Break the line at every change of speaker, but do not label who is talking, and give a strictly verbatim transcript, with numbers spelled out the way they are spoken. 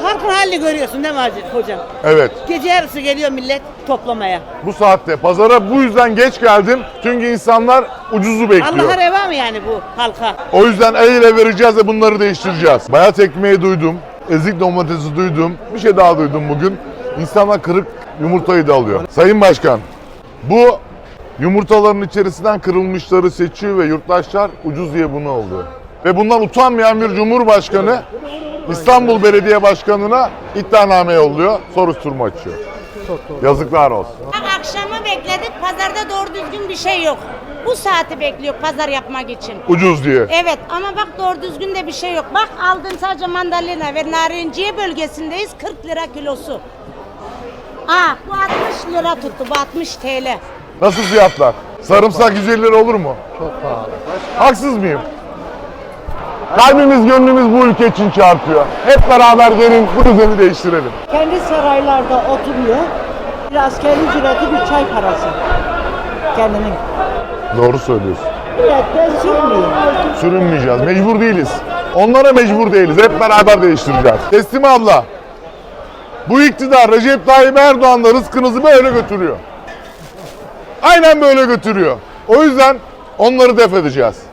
halkın halini görüyorsun değil mi hacı, hocam?
Evet.
Gece yarısı geliyor millet toplamaya.
Bu saatte pazara bu yüzden geç geldim. Çünkü insanlar ucuzu bekliyor.
Allah'a reva mı yani bu halka?
O yüzden el ele vereceğiz ve bunları değiştireceğiz. Bayat ekmeği duydum. Ezik domatesi duydum. Bir şey daha duydum bugün. İnsanlar kırık yumurtayı da alıyor. Sayın Başkan, bu yumurtaların içerisinden kırılmışları seçiyor ve yurttaşlar ucuz diye bunu alıyor. Ve bundan utanmayan bir Cumhurbaşkanı İstanbul Belediye Başkanı'na iddianame yolluyor, soruşturma açıyor. Yazıklar olsun.
Akşamı bekledik, pazarda doğru düzgün bir şey yok. Bu saati bekliyor pazar yapmak için.
Ucuz diye.
Evet ama bak doğru düzgün de bir şey yok. Bak aldığım sadece mandalina ve narinciye bölgesindeyiz, kırk lira kilosu. Aa bu altmış lira tuttu, bu altmış T L.
Nasıl fiyatlar? Sarımsak yüz elli lira olur mu? Çok pahalı. Haksız mıyım? Kalbimiz gönlümüz bu ülke için çarpıyor. Hep beraber gelin bu düzeni değiştirelim.
Kendi saraylarda oturuyor. Bir askeri ücreti, bir çay parası. Kendinin.
Doğru söylüyorsun.
Milletten sürmüyor.
Sürünmeyeceğiz. Mecbur değiliz. Onlara mecbur değiliz. Hep beraber değiştireceğiz. Teslim abla. Bu iktidar Recep Tayyip Erdoğan'la rızkınızı böyle götürüyor. Aynen böyle götürüyor. O yüzden onları def edeceğiz.